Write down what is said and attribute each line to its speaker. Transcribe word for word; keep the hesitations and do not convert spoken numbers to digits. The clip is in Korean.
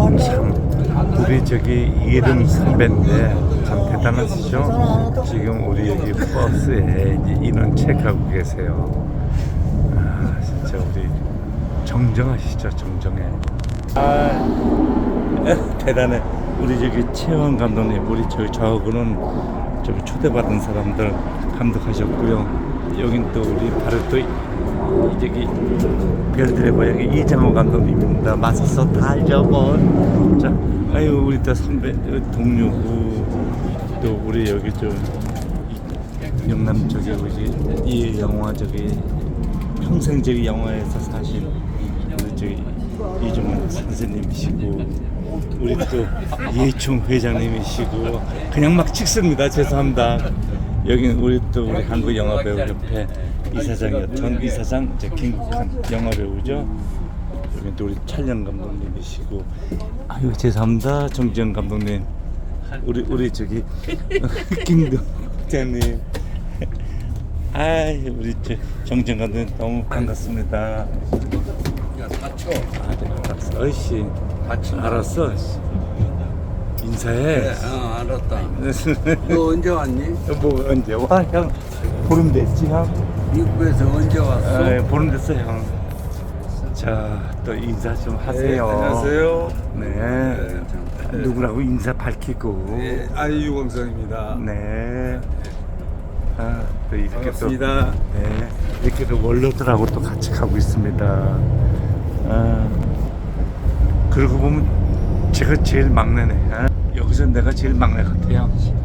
Speaker 1: 참 우리 저기 이름 선배인데 참 대단하시죠? 지금 우리 여기 버스에 이제 인원 체크하고 계세요. 아 진짜 우리 정정하시죠, 정정해. 아 대단해. 우리 저기 최원 감독님, 우리 저기 저하고는 저기 초대받은 사람들 감독하셨고요. 여긴 또 우리 바로 또 저기 별들의 고향의 이장호 감독님입니다. 맞섰어 달려본. 자, 아유 우리 또 선배 동료고 또 우리 여기 좀 영남 쪽에 우리 이 영화 저기 평생 저기 영화에서 사신 우리 저기 이종원 선생님이시고 우리 또 예총 회장님이시고 그냥 막 찍습니다. 죄송합니다. 여기는 우리 또 우리 한국영화배우협회 이사장이요. 전 이사장 이제 김국한 영화배우죠. 여기 또 우리 촬영 감독님이시고 아유 죄송합니다. 정지영 감독님 우리 우리 저기 김동장님 아이 우리 저 정지영 감독님 너무 반갑습니다.
Speaker 2: 야, 다쳐.
Speaker 1: 아, 네, 알았어. 어이씨, 알았어. 인사해.
Speaker 2: 네, 어, 알았다. 너 언제 왔니?
Speaker 1: 뭐 언제 와, 형? 보름 됐지, 형?
Speaker 2: 미국에서 언제 왔어?
Speaker 1: 아, 보름 됐어, 형. 자, 또 인사 좀 하세요.
Speaker 3: 네, 안녕하세요.
Speaker 1: 네.
Speaker 2: 네, 잠깐.
Speaker 1: 누구라고 인사 밝히고.
Speaker 3: 네, 아이유광성입니다.
Speaker 1: 네. 아, 또 이렇게
Speaker 3: 반갑습니다.
Speaker 1: 또, 네, 이렇게 또 원로들하고 또 같이 가고 있습니다. 아, 그러고 보면 제가 제일 막내네. 아, 여기서 내가 제일 막내 같아요.